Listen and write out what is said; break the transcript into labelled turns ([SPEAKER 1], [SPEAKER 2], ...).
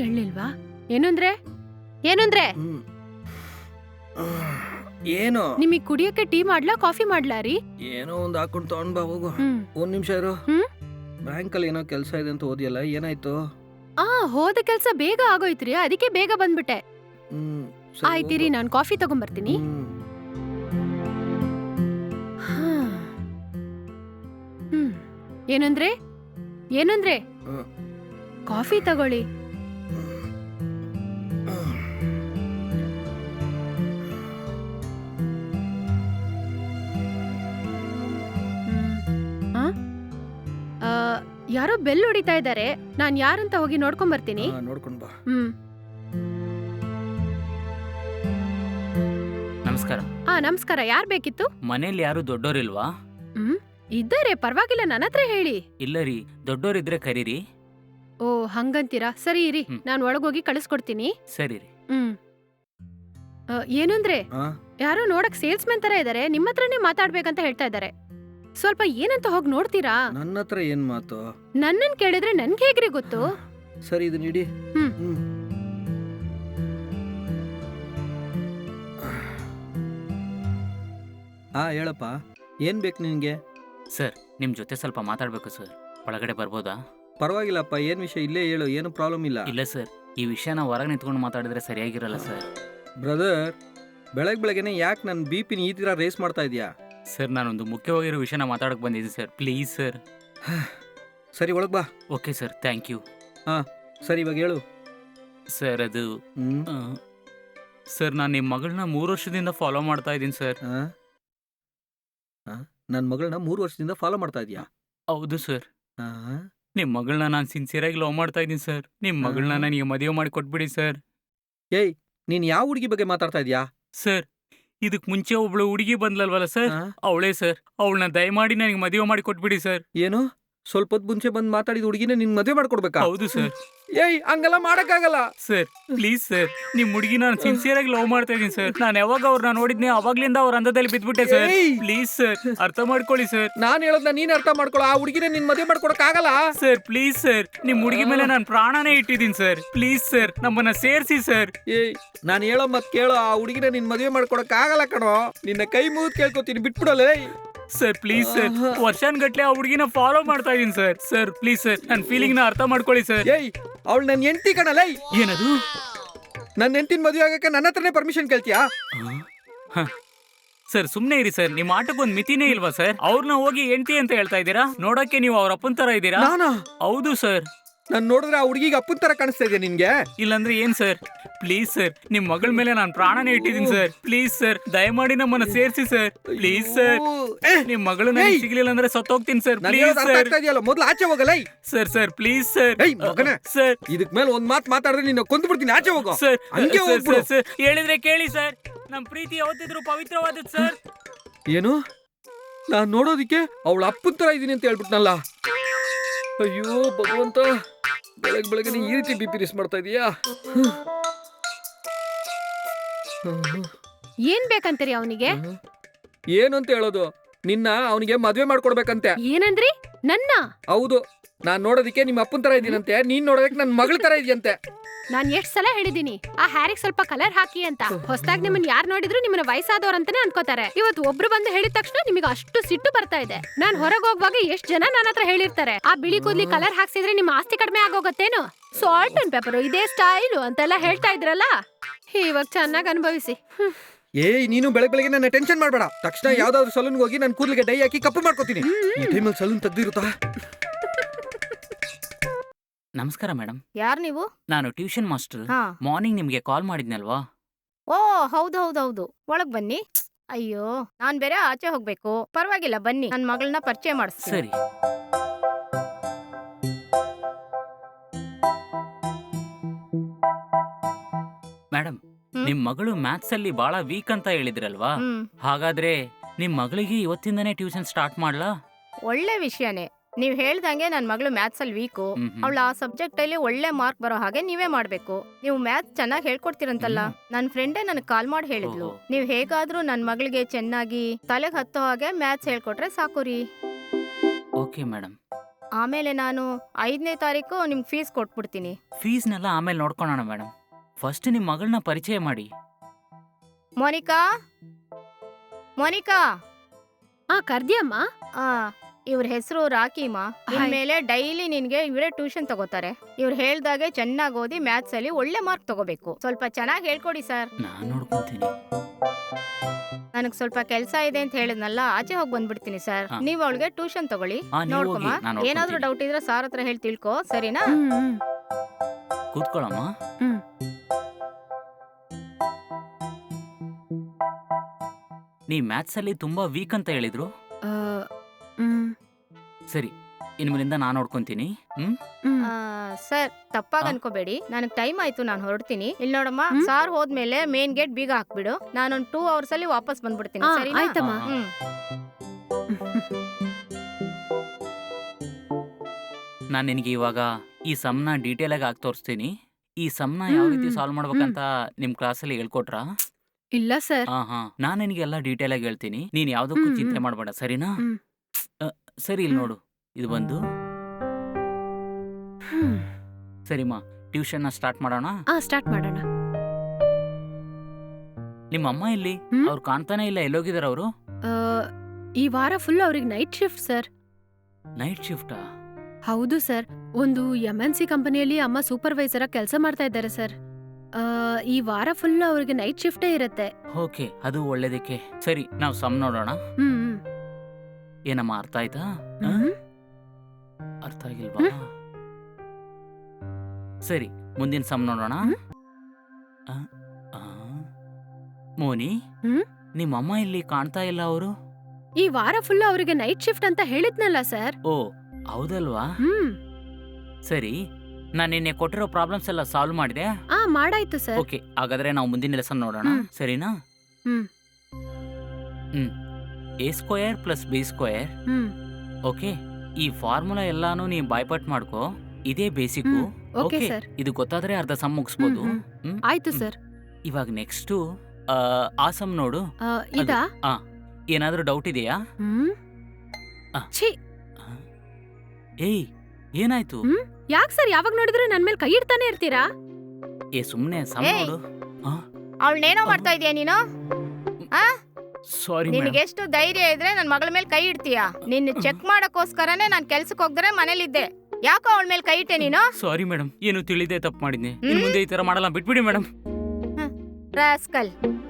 [SPEAKER 1] ಹೇಳಲಿಲ್ವಾ? ಏನಂದ್ರೆ ಏನಂದ್ರೆ
[SPEAKER 2] ಏನು
[SPEAKER 1] ನಿಮಗೆ ಕುಡಿಯಕ್ಕೆ ಟೀ ಮಾಡ್ಲಾ ಕಾಫಿ ಮಾಡ್ಲಾ ರೀ?
[SPEAKER 2] ಏನೋ ಒಂದ್ ಹಾಕೊಂಡು ತಗೊಂಡ್ ಬಾ ಹೋಗು.
[SPEAKER 1] ಹ್ಮ್
[SPEAKER 2] ಒಂದ್ ನಿಮಿಷ ಇರು.
[SPEAKER 1] ಹ್ಮ್
[SPEAKER 2] ಬ್ಯಾಂಕ್ ಅಲ್ಲಿ ಏನೋ ಕೆಲಸ ಇದೆ ಅಂತ ಓದಿಯಲ್ಲ, ಏನಾಯ್ತು?
[SPEAKER 1] ಹೋದ ಕೆಲ್ಸ ಬೇಗ ಆಗೋಯ್ತ್ರಿ, ಅದಕ್ಕೆ ಬೇಗ ಬಂದ್ಬಿಟ್ಟೆ.
[SPEAKER 2] ಹ್ಮ್ ಸರಿ,
[SPEAKER 1] ಆಯ್ತಿರಿ,
[SPEAKER 2] ಹೋಗು.
[SPEAKER 1] ನಾನು ಕಾಫಿ ತಗೊಂಬರ್ತೀನಿ.
[SPEAKER 2] ಹ್ಮ್.
[SPEAKER 1] ಹ್ಮ್ ಏನಂದ್ರೆ ಏನಂದ್ರೆ
[SPEAKER 2] ಹ್ಮ್.
[SPEAKER 1] ಕಾಫಿ ತಗೊಳ್ಳಿ. ಯಾರೋ ಬೆಲ್ ಹೊಡಿತಾ ಇದ್ದಾರೆ, ನಾನ್ ಯಾರಂತ ಹೋಗಿ ನೋಡ್ಕೊಂಡ್ ಬರ್ತೀನಿ.
[SPEAKER 2] ನೋಡ್ಕೊಂಡ್ ಬಾ.
[SPEAKER 3] ನಮಸ್ಕಾರ.
[SPEAKER 1] ನಮಸ್ಕಾರ. ಯಾರ್ ಬೇಕಿತ್ತು?
[SPEAKER 3] ಮನೇಲಿ ಯಾರು ದೊಡ್ಡೋರಿಲ್ವಾ?
[SPEAKER 1] ಇದ್ದಾರೆ, ಪರವಾಗಿಲ್ಲ, ನನ್ನ ಹತ್ರ ಹೇಳಿ.
[SPEAKER 3] ಇಲ್ಲ ರೀ, ದೊಡ್ಡೋರಿದ್ರೆ ಕರೀರಿ.
[SPEAKER 1] ಓ ಹಂಗಂತೀರಾ? ಸರಿ ಇರಿ, ನಾನ್ ಒಳಗೋಗಿ ಕಳಿಸ್ಕೊಡ್ತೀನಿ.
[SPEAKER 3] ಸರಿ ರೀ.
[SPEAKER 1] ಏನಂದ್ರೆ
[SPEAKER 2] ಆ?
[SPEAKER 1] ಯಾರೋ ನೋಡಕ್ ಸೇಲ್ಸ್ ಮ್ಯಾನ್ ತರ ಇದಾರೆ, ನಿಮ್ಮ ಹತ್ರನೇ ಮಾತಾಡ್ಬೇಕಂತ ಹೇಳ್ತಾ ಇದ್ದಾರೆ. ಸ್ವಲ್ಪ ಏನಂತ ಹೋಗಿ ನೋಡ್ತೀರಾ?
[SPEAKER 2] ನನ್ನ ಹತ್ರ ಏನ್ ಮಾತು?
[SPEAKER 1] ನನ್ನನ್ ಕೇಳಿದ್ರೆ ನನ್ಗೆ ಹೇಗ್ರಿ ಗೊತ್ತು?
[SPEAKER 2] ಸರಿ, ಇದನ್ನ ಇಡಿ. ಹೇಳಪ್ಪ, ಏನ್ ಬೇಕು ನಿನ್ಗೆ?
[SPEAKER 3] ಸರ್, ನಿಮ್ ಜೊತೆ ಸ್ವಲ್ಪ ಮಾತಾಡ್ಬೇಕು ಸರ್. ಒಳಗಡೆ ಬರ್ಬೋದಾ?
[SPEAKER 2] ಪರವಾಗಿಲ್ಲಪ್ಪ, ಏನ್ ವಿಷಯ ಇಲ್ಲೇ ಹೇಳು, ಏನು ಪ್ರಾಬ್ಲಮ್ ಇಲ್ಲ.
[SPEAKER 3] ಇಲ್ಲ ಸರ್, ಈ ವಿಷಯನ ಹೊರಗೆ ನಿಂತ್ಕೊಂಡು ಮಾತಾಡಿದ್ರೆ ಸರಿಯಾಗಿರಲ್ಲ ಸರ್.
[SPEAKER 2] ಬ್ರದರ್, ಬೆಳಗ್ಗೆನೆ ಯಾಕೆ ನನ್ನ BP ಈ ತರ ರೇಸ್ ಮಾಡ್ತಾ ಇದೀಯಾ?
[SPEAKER 3] ಸರ್, ನಾನೊಂದು ಮುಖ್ಯವಾಗಿರೋ ವಿಷಯನ ಮಾತಾಡಕ್ ಬಂದಿದ್ದೀನಿ ಸರ್, ಪ್ಲೀಸ್ ಸರ್.
[SPEAKER 2] ಸರಿ, ಒಳಗ್ ಬಾ.
[SPEAKER 3] Okay sir, thank you.
[SPEAKER 2] ಸರಿ, ಇವಾಗ ಹೇಳು.
[SPEAKER 3] ಸರ್, ಅದು ಸರ್, ನಾನು ನಿಮ್ಮ ಮಗಳನ್ನ 3 ವರ್ಷದಿಂದ ಫಾಲೋ ಮಾಡ್ತಾ ಇದ್ದೀನಿ ಸರ್.
[SPEAKER 2] ನನ್ನ ಮಗಳನ್ನ 3 ವರ್ಷದಿಂದ ಫಾಲೋ ಮಾಡ್ತಾ ಇದೀಯಾ?
[SPEAKER 3] ಹೌದು ಸರ್. ನಿಮ್ಮ ಮಗಳನ್ನ ನಾನು ಸಿನ್ಸಿಯರಾಗಿ ಲವ್ ಮಾಡ್ತಾ ಇದ್ದೀನಿ ಸರ್. ನಿಮ್ಮ ಮಗಳನ್ನ ನನಗೆ ಮದುವೆ ಮಾಡಿ ಕೊಟ್ಬಿಡಿ ಸರ್.
[SPEAKER 2] ಏಯ್, ನೀನ್ ಯಾವ ಹುಡುಗಿ ಬಗ್ಗೆ ಮಾತಾಡ್ತಾ ಇದೀಯಾ?
[SPEAKER 3] ಸರ್, ಇದಕ್ ಮುಂಚೆ ಒಬ್ಳು ಹುಡುಗಿ ಬಂದ್ಲಲ್ವಲ್ಲ ಸರ್, ಅವಳೇ ಸರ್. ಅವಳನ್ನ ದಯಮಾಡಿ ನನಗೆ ಮದುವೆ ಮಾಡಿ ಕೊಟ್ಬಿಡಿ ಸರ್.
[SPEAKER 2] ಏನು, ಸ್ವಲ್ಪ ಹೊತ್ತು ಮುಂಚೆ ಬಂದು ಮಾತಾಡಿದ ಹುಡುಗಿನ ನಿನ್ ಮದುವೆ ಮಾಡ್ಕೊಡ್ಬೇಕಾ?
[SPEAKER 3] ಹೌದು ಸರ್.
[SPEAKER 2] ಏಯ್, ಹಂಗೆಲ್ಲ ಮಾಡಕ್ಕಾಗಲ್ಲ
[SPEAKER 3] ಸರ್, ಪ್ಲೀಸ್ ಸರ್. ನಿಮ್ ಹುಡುಗಿ ನಾನು ಸಿನ್ಸಿಯರ್ ಆಗಿ ಲವ್ ಮಾಡ್ತಾ ಇದೀನಿ ಸರ್. ನಾನು ಯಾವಾಗ ಅವ್ರನ್ನ ನೋಡಿದ್ನಿ ಅವಾಗ್ಲಿಂದ ಅವ್ರ ಅಂದದಲ್ಲಿ ಬಿದ್ಬಿಟ್ಟೆ ಸರ್. ಪ್ಲೀಸ್ ಸರ್, ಅರ್ಥ ಮಾಡ್ಕೊಳ್ಳಿ ಸರ್.
[SPEAKER 2] ನಾನ್ ಹೇಳೋದ್ನ ನೀನ್ ಅರ್ಥ ಮಾಡ್ಕೊಳ್ಳೋ. ಆ ಹುಡುಗಿನ ನಿನ್ ಮದುವೆ ಮಾಡ್ಕೊಡಕ್ ಆಗಲ್ಲ
[SPEAKER 3] ಸರ್. ಪ್ಲೀಸ್ ಸರ್, ನಿಮ್ ಹುಡುಗಿ ಮೇಲೆ ನಾನು ಪ್ರಾಣನೇ ಇಟ್ಟಿದ್ದೀನಿ ಸರ್. ಪ್ಲೀಸ್ ಸರ್, ನಮ್ಮನ್ನ ಸೇರ್ಸಿ ಸರ್.
[SPEAKER 2] ಏಯ್, ನಾನು ಹೇಳೋ ಮತ್ ಕೇಳೋ. ಆ ಹುಡುಗಿನ ನಿನ್ ಮದುವೆ ಮಾಡ್ಕೊಡಕ್ ಆಗಲ್ಲ ಕಣೋ. ನಿನ್ನ ಕೈ ಮುಗಿದು ಕೇಳ್ಕೊತೀನಿ, ಬಿಟ್ಬಿಡಲ್ಲ
[SPEAKER 3] ಸರ್. ಪ್ಲೀಸ್ ಸರ್, ವರ್ಷಾನ್ಗಟ್ಲೆ ಆ ಹುಡುಗಿನ ಫಾಲೋ ಮಾಡ್ತಾ ಇದೀನಿ ಸರ್. ಸರ್, ಪ್ಲೀಸ್ ಸರ್, ನನ್ನ ಫೀಲಿಂಗ್ ನ ಅರ್ಥ ಮಾಡ್ಕೊಳ್ಳಿ ಸರ್.
[SPEAKER 2] ಏಯ್, ಅವಳು ನನ್ನ ಹೆಂಡತಿ ಕಣಲ್ಲ.
[SPEAKER 3] ಏನದು?
[SPEAKER 2] ನನ್ನ ಹೆಂಡತಿನ ಮದುವೆ ಆಗಕ್ಕೆ ನನ್ನ ಹತ್ರನೇ ಪರ್ಮಿಷನ್ ಕೇಳ್ತೀಯಾ?
[SPEAKER 3] ಸರ್, ಸುಮ್ನೆ ಇರಿ ಸರ್. ನಿಮ್ಮ ಆಟಕ್ಕೊಂದು ಮಿತಿನೇ ಇಲ್ವಾ ಸರ್? ಅವ್ರನ್ನ ಹೋಗಿ ಹೆಂಡತಿ ಅಂತ ಹೇಳ್ತಾ ಇದ್ದೀರಾ? ನೋಡಕ್ಕೆ ನೀವು ಅವ್ರ ಅಪ್ಪನ್ ತರ ಇದ್ದೀರಾ? ಹೌದು ಸರ್.
[SPEAKER 2] ನಾನು ನೋಡಿದ್ರೆ ಆ ಹುಡುಗಿಗೆ ಅಪ್ಪನ್ ತರ ಕಾಣಿಸ್ತಾ ಇದೆಯಾ ನಿನ್ಗೆ?
[SPEAKER 3] ಇಲ್ಲಾಂದ್ರೆ ಏನ್ ಸರ್? ಪ್ಲೀಸ್ ಸರ್, ನಿಮ್ ಮಗಳ ಮೇಲೆ ನಾನು ಪ್ರಾಣನೇ ಇಟ್ಟಿದ್ದೀನಿ ಸರ್. ಪ್ಲೀಸ್ ಸರ್, ದಯಮಾಡಿ ನಮ್ಮನ್ನ ಸೇರಿಸಿ ಸರ್. ಪ್ಲೀಸ್ ಸರ್, ನಿಮ್ ಮಗಳು ನನಗೆ ಸಿಗ್ಲಿಲ್ಲ ಅಂದ್ರೆ ಸತ್ತೋಗ್ತೀನಿ ಸರ್. Please sir.
[SPEAKER 2] ಮೊದಲು ಆಚೆ ಹೋಗಲ್ಲ
[SPEAKER 3] sir. Sir, please sir.
[SPEAKER 2] Sir, ಇದಕ್ ಮೇಲೆ ಒಂದ್ ಮಾತು ಮಾತಾಡಿದ್ರೆ ನಿನ್ನ ಕೊಂದು ಬಿಡ್ತೀನಿ. ಆಚೆ ಹೋಗೋ
[SPEAKER 3] ಸರ್.
[SPEAKER 2] ಹಂಗೆ ಹೋಗ್ಬಿಡು.
[SPEAKER 3] ಸರ್, ಹೇಳಿದ್ರೆ ಕೇಳಿ ಸರ್. ನಮ್ ಪ್ರೀತಿ ಯಾವತ್ತಿದ್ರು ಪವಿತ್ರವಾದದ್ದು ಸರ್.
[SPEAKER 2] ಏನು, ನಾನ್ ನೋಡೋದಿಕ್ಕೆ ಅವಳ ಅಪ್ಪನ್ ತರ ಇದೀನಿ ಅಂತ ಹೇಳ್ಬಿಟ್ನಲ್ಲ. ಅಯ್ಯೋ ಭಗವಂತ, ಬೆಳಗ್ಗೆ ಈ ರೀತಿ BP ರೇಸ್ ಮಾಡ್ತಾ ಇದೀಯಾ?
[SPEAKER 1] ಏನ್ ಬೇಕಂತೀರಿ ಅವನಿಗೆ?
[SPEAKER 2] ಏನು ಅಂತ ಹೇಳೋದು? ನಿನ್ನ ಅವನಿಗೆ ಮದ್ವೆ ಮಾಡ್ಕೊಡ್ಬೇಕಂತೆ.
[SPEAKER 1] ಏನಂದ್ರಿ? ನನ್ನ?
[SPEAKER 2] ಹೌದು, ನಾನ್ ನೋಡೋದಿಕ್ಕೆ ನಿಮ್ಮ ಅಪ್ಪನ್ ತರ ಇದೀನಂತೆ, ನೀನ್ ನೋಡೋದಕ್ಕೆ ನನ್ ಮಗಳ ತರ ಇದೆಯಂತೆ.
[SPEAKER 1] ನಾನ್ ಎಷ್ಟ್ ಸಲ ಹೇಳಿದೀನಿ ಆ ಹ್ಯಾರಿಗೆ ಸ್ವಲ್ಪ ಕಲರ್ ಹಾಕಿ ಅಂತ. ಹೊಸದಾಗಿ ನಿಮ್ಮನ್ನ ಯಾರು ನೋಡಿದ್ರು ನಿಮ್ಮನ್ನ ವಯಸ್ಸಾದವ್ರಂತಾನೆ ಅನ್ಕೋತಾರೆ. ಇವತ್ತು ಒಬ್ರು ಬಂದು ಹೇಳಿದ ತಕ್ಷಣ ನಿಮಗೆ ಅಷ್ಟು ಸಿಟ್ಟು ಬರ್ತಾ ಇದೆ. ನಾನ್ ಹೊರಗೆ ಹೋಗುವಾಗ ಎಷ್ಟ್ ಜನ ನನ್ನ ಹತ್ರ ಹೇಳಿರ್ತಾರೆ, ಆ ಬಿಳಿ ಕೂದ್ಲಿ ಕಲರ್ ಹಾಕ್ಸಿದ್ರೆ ನಿಮ್ಮ ಆಸ್ತಿ ಕಡಿಮೆ ಆಗೋಗತ್ತೇನು, ಸಾಲ್ಟ್ ಅಂಡ್ ಪೆಪರ್ ಇದೇ ಸ್ಟೈಲು ಅಂತೆಲ್ಲ ಹೇಳ್ತಾ ಇದ್ರಲ್ಲ. ಇವಾಗ ಚೆನ್ನಾಗಿ ಅನುಭವಿಸಿ.
[SPEAKER 2] ಏಯ್, ನೀನು ಬೆಳಗ್ಗೆ ನನ್ನ ಟೆನ್ಷನ್ ಮಾಡ್ಬೇಡ. ತಕ್ಷಣ ಯಾವ್ದಾದ್ರು ಸಲೂನ್ಗೆ ಹೋಗಿ ನನ್ನ ಕೂದಲಿಗೆ ಡೈ ಹಾಕಿ ಕಪ್ಪು ಮಾಡ್ಕೋತೀನಿ. ಈ ಟೈಮಲ್ಲಿ ಸಲೂನ್ ತೆಗ್ದಿರುತ್ತಾ?
[SPEAKER 3] ನಮಸ್ಕಾರ ಮೇಡಮ್.
[SPEAKER 4] ಯಾರು ನೀವು?
[SPEAKER 3] ನಾನು ಟ್ಯೂಷನ್ ಮಾಸ್ಟರ್. ಮಾರ್ನಿಂಗ್ ನಿಮ್ಗೆ ಕಾಲ್ ಮಾಡಿದ್ನಲ್ವಾ?
[SPEAKER 4] ಓ, ಹೌದು. ಒಳಗ್ ಬನ್ನಿ. ಅಯ್ಯೋ, ನಾನ್ ಬೇರೆ ಆಚೆ ಹೋಗ್ಬೇಕು. ಪರವಾಗಿಲ್ಲ, ಬನ್ನಿ, ನನ್ ಮಗಳನ್ನ ಪರಿಚಯ ಮಾಡಿಸ್ತೀನಿ.
[SPEAKER 3] ಸರಿ. ಮೇಡಮ್, ನಿಮ್ ಮಗಳು ಮ್ಯಾಥ್ಸ್ ಅಲ್ಲಿ ಬಹಳ ವೀಕ್ ಅಂತ ಹೇಳಿದ್ರಲ್ವಾ? ಹಾಗಾದ್ರೆ ನಿಮ್ ಮಗಳಿಗೆ ಇವತ್ತಿಂದನೇ ಟ್ಯೂಷನ್ ಸ್ಟಾರ್ಟ್ ಮಾಡ್ಲಾ?
[SPEAKER 4] ಒಳ್ಳೆ ವಿಷಯನೇ. ನೀವ್ ಹೇಳ್ದಂಗೆ ನನ್ ಮಗಳು ಮ್ಯಾಥ್ಸ್ ಅಲ್ಲಿ ವೀಕು. ಅವಳ ಆ ಸಬ್ಜೆಕ್ಟ್ ಅಲ್ಲಿ ಒಳ್ಳೆ ಮಾರ್ಕ್ ಬರೋ ಹಾಗೆ ನೀವೇ ಮಾಡ್ಬೇಕು. ನೀವು ಮ್ಯಾಥ್ಸ್ ಚೆನ್ನಾಗಿ ಹೇಳ್ಕೊಡ್ತೀರಂತಲ್ಲ. ನನ್ ಫ್ರೆಂಡೇ ನನ್ ಕಾಲ್ ಮಾಡಿ ಹೇಳಿದ್ಲು, ನೀವ್ ಹೇಗಾದ್ರೂ ನನ್ ಮಗಳಿಗೆ ಚೆನ್ನಾಗಿ ತಲೆಗೆ ಹತ್ತೋ ಹಾಗೆ ಮ್ಯಾಥ್ಸ್ ಹೇಳ್ಕೊಟ್ರೆ ಸಾಕು ರೀ.
[SPEAKER 3] Okay madam.
[SPEAKER 4] ಆಮೇಲೆ ನಾನು 5ನೇ ತಾರೀಕು ನಿಮ್ಗೆ ಫೀಸ್ ಕೊಟ್ಬಿಡ್ತೀನಿ.
[SPEAKER 3] ಫೀಸ್ನೆಲ್ಲ ಆಮೇಲೆ ನೋಡ್ಕೊಳ್ಳೋಣ ಮೇಡಮ್. ಫಸ್ಟ್ ನಿಮ್ಮ ಮಗಳನ್ನ ಪರಿಚಯ ಮಾಡಿ.
[SPEAKER 4] ಮೋನಿಕಾ, ಮೋನಿಕಾ,
[SPEAKER 1] ಕರ್ದ್ಯಮ್ಮ?
[SPEAKER 4] ಇವ್ರ ಹೆಸರು ರಾಕಿಮ್ಮ. ಇನ್ಮೇಲೆ ಡೈಲಿ ನಿನ್ಗೆ ಇವರೇ ಟ್ಯೂಷನ್ ತಗೋತಾರೆ. ಇವ್ರು ಹೇಳ್ದಾಗೆ ಚೆನ್ನಾಗಿ ಓದಿ ಮ್ಯಾಥ್ಸ್ ಅಲ್ಲಿ ಒಳ್ಳೆ ಮಾರ್ಕ್ ತಗೋಬೇಕು. ಸ್ವಲ್ಪ ಚೆನ್ನಾಗಿ ಹೇಳ್ಕೊಡಿ ಸರ್.
[SPEAKER 3] ನಾನು ನೋಡ್ಕೊಂತೀನಿ.
[SPEAKER 4] ನನಗ್ ಸ್ವಲ್ಪ ಕೆಲ್ಸ ಇದೆ ಅಂತ ಹೇಳಿದ್ನಲ್ಲ, ಆಚೆ ಹೋಗಿ ಬಂದ್ಬಿಡ್ತೀನಿ ಸರ್.
[SPEAKER 3] ಹಾ.
[SPEAKER 4] ನೀವ್ ಅವಳಿಗೆ ಟ್ಯೂಷನ್ ತಗೊಳ್ಳಿ.
[SPEAKER 3] ನೀವು
[SPEAKER 4] ನೋಡ್ಕೊಮ್ಮ.
[SPEAKER 3] ಹೋಗಿ, ನಾನು
[SPEAKER 4] ಏನಾದ್ರೂ
[SPEAKER 3] ನೋಡ್ಕೊಂತೀನಿ.
[SPEAKER 4] ಡೌಟ್ ಇದ್ರೆ ಸಾರ್ ಹತ್ರ ಹೇಳಿ ತಿಳ್ಕೊ, ಸರಿನಾ?
[SPEAKER 3] ಕೂತ್ಕೊಳ್ಳಮ್ಮ. ನೀ ಮ್ಯಾಥ್ಸ್ ಅಲ್ಲಿ ತುಂಬಾ ವೀಕ್ ಅಂತ ಹೇಳಿದ್ರು. ಸರಿ, ಇನ್ಮೇಲಿಂದ ನಾನು ನೋಡ್ಕೊಂತೀನಿ.
[SPEAKER 4] ಸರ್ ತಪ್ಪಾಗ
[SPEAKER 3] ಹಾ.
[SPEAKER 4] ಅನ್ಕೋಬೇಡಿ. ನನಗ್ ಟೈಮ್ ಆಯ್ತು, ನಾನು ಹೊರಡ್ತೀನಿ. ಇಲ್ಲಿ ನೋಡಮ್ಮ, ಸಾರ್ ಹೋದ್ಮೇಲೆ ಮೇನ್ ಗೇಟ್ ಬೀಗ ಹಾಕ್ಬಿಡು. ನಾನೊಂದ್ 2 hours ಅಲ್ಲಿ ವಾಪಸ್ ಬಂದ್ಬಿಡ್ತೀನಿ. ಸರಿನಾ?
[SPEAKER 1] ಆಯ್ತಮ್ಮ.
[SPEAKER 3] ಹಾ. ನಾನು ನಿನಗೆ ಇವಾಗ ಈ ಸಮ್ನ ಡೀಟೇಲ್ ಆಗಿ ಹಾಕಿ ತೋರಿಸ್ತೀನಿ. ಈ ಸಮ್ನ ಯಾವ ರೀತಿ ಸಾಲ್ವ್ ಮಾಡ್ಬೇಕಂತ ನಿಮ್ ಕ್ಲಾಸಲ್ಲಿ ಹೇಳ್ಕೊಟ್ರಾ?
[SPEAKER 1] ಇಲ್ಲ ಸರ್.
[SPEAKER 3] ಹಾ, ನಾನು ನಿನಗೆ ಎಲ್ಲ ಡೀಟೇಲ್ ಆಗಿ ಹೇಳ್ತೀನಿ. ನೀನ್ ಯಾವ್ದಕ್ಕೂ ಚಿಂತೆ ಮಾಡಬೇಡ, ಸರಿನಾ? ಸರಿ, ಇಲ್ಲಿ ನೋಡು, ಇದು ಬಂದು. ಸರಿಮಾ, ಟ್ಯೂಷನ್ ಸ್ಟಾರ್ಟ್ ಮಾಡೋಣ.
[SPEAKER 1] ಸ್ಟಾರ್ಟ್ ಮಾಡೋಣ.
[SPEAKER 3] ನಿಮ್ಮ ಅಮ್ಮ ಇಲ್ಲಿ?
[SPEAKER 1] ಹ್ಮ್?
[SPEAKER 3] ಅವ್ರು ಕಾಣ್ತಾನೆ ಇಲ್ಲ, ಎಲ್ಲೋಗಿದಾರ ಅವರು?
[SPEAKER 1] ಈ ವಾರ ಫುಲ್ ಅವ್ರಿಗೆ ನೈಟ್ ಶಿಫ್ಟ್ ಸರ್.
[SPEAKER 3] ನೈಟ್ ಶಿಫ್ಟಾ?
[SPEAKER 1] ಹೌದು ಸರ್. ಒಂದು MNC ಕಂಪನಿಯಲ್ಲಿ ಅಮ್ಮ ಸೂಪರ್ವೈಸರ್ ಆಗಿ ಕೆಲಸ ಮಾಡ್ತಾ ಇದ್ದಾರೆ ಸರ್. ಈ ವಾರ ಫುಲ್ ಅವ್ರಿಗೆ ನೈಟ್ ಶಿಫ್ಟೇ ಇರುತ್ತೆ.
[SPEAKER 3] ಓಕೆ, ಅದು ಒಳ್ಳೇದಕ್ಕೆ. ಸರಿ, ನಾವು ಸಮ್ ನೋಡೋಣ.
[SPEAKER 1] ಹ್ಮ್
[SPEAKER 3] ಏನಮ್ಮ, ಅರ್ಥ ಆಯ್ತಾ?
[SPEAKER 1] ಹ್ಮ್.
[SPEAKER 3] ಅರ್ಥ ಆಗಿಲ್ವಾ? ಸರಿ, ಮುಂದಿನ ಸಮ್ ನೋಡೋಣ. ಆ, ಆ. ಮೋನಿ,
[SPEAKER 1] ಹ್ಮ್?
[SPEAKER 3] ನಿಮ್ಮಮ್ಮ ಇಲ್ಲಿ ಕಾಣ್ತಾ ಇಲ್ಲ ಅವರು?
[SPEAKER 1] ಈ ವಾರ ಫುಲ್ ಅವರಿಗೆ ನೈಟ್ ಶಿಫ್ಟ್ ಅಂತ ಹೇಳಿದ್ನಲ್ಲ ಸರ್.
[SPEAKER 3] ಓ, ಹೌದಲ್ವಾ?
[SPEAKER 1] ಹ್ಮ್.
[SPEAKER 3] ಸರಿ, ನಾನು ನಿನ್ನೆ ಕೊಟ್ಟಿರೋ ಪ್ರಾಬ್ಲಮ್ಸ್ ಎಲ್ಲ ಸಾಲ್ವ್ ಮಾಡಿದೆ.
[SPEAKER 1] ಮಾಡಾಯ್ತು ಸರ್.
[SPEAKER 3] ಓಕೆ, ಹಾಗಾದ್ರೆ ನಾವು ಮುಂದಿನ ಲೆಸನ್ ನೋಡೋಣ.
[SPEAKER 1] ಹ್ಮ್.
[SPEAKER 3] ಸರಿನಾ?
[SPEAKER 1] ಹ್ಮ್.
[SPEAKER 3] A² + B².
[SPEAKER 1] ಹ್ಮ್.
[SPEAKER 3] ಓಕೆ, ಈ ಫಾರ್ಮುಲಾ ಎಲ್ಲಾನು ನೀ ಬಾಯ್ಪಾಟ್ ಮಾಡ್ಕೋ. ಇದೇ ಬೇಸಿಕ್.
[SPEAKER 1] Okay
[SPEAKER 3] okay,
[SPEAKER 1] sir.
[SPEAKER 3] ಇದು ಗೊತ್ತಾದ್ರೆ ಅರ್ಧ ಸಮ್ ಮುಗಿಸ್ಬೋದು.
[SPEAKER 1] ಆಯ್ತು ಸರ್.
[SPEAKER 3] ಇವಾಗ ನೆಕ್ಸ್ಟ್ ಆ ಸಮ್ ನೋಡು.
[SPEAKER 1] ಇದಾ?
[SPEAKER 3] ಏನಾದ್ರೂ ಡೌಟ್ ಇದೆಯಾ?
[SPEAKER 1] ಹ್ಮ್.
[SPEAKER 3] ಆ.
[SPEAKER 1] ಛೀ,
[SPEAKER 3] ಏಯ್, ಏನಾಯ್ತು?
[SPEAKER 1] ಯಾಕ್ ಸರ್ ಯಾವಾಗ ನೋಡಿದ್ರು ನನ್ ಮೇಲೆ ಕೈ ಇಡ್ತಾನೆ ಇರ್ತೀರಾ?
[SPEAKER 3] ಸುಮ್ನೆ ಸಮ್
[SPEAKER 4] ಏಯ್.
[SPEAKER 3] ನೋಡು.
[SPEAKER 4] ಅವಳನ್ನೇನೋ ಮಾಡ್ತಾ ಇದೀಯ ನೀನು?
[SPEAKER 3] ಸಾರಿ
[SPEAKER 4] ನಿನಗೆಷ್ಟು ಧೈರ್ಯ ಇದ್ರೆ ನನ್ ಮಗಳ ಮೇಲೆ ಕೈ ಇಡ್ತೀಯಾ? ನಿನ್ನ ಚೆಕ್ ಮಾಡಕ್ಕೋಸ್ಕರನೇ ನಾನ್ ಕೆಲ್ಸಕ್ಕೆ ಹೋಗ್ದ್ರೆ ಮನೇಲಿದ್ದೆ. ಯಾಕೋ ಅವಳ ಮೇಲೆ ಕೈ ಇಟ್ಟೆ ನೀನು?
[SPEAKER 3] ಸಾರಿ ಮೇಡಮ್, ಏನು ತಿಳಿದೇ ತಪ್ಪು ಮಾಡಿದ್ನಿ. ಇನ್ ಮುಂದೆ ಈ ತರ ಮಾಡಲ್ಲ, ಬಿಟ್ಬಿಡಿ ಮೇಡಮ್.
[SPEAKER 4] ರಾಸ್ಕಲ್.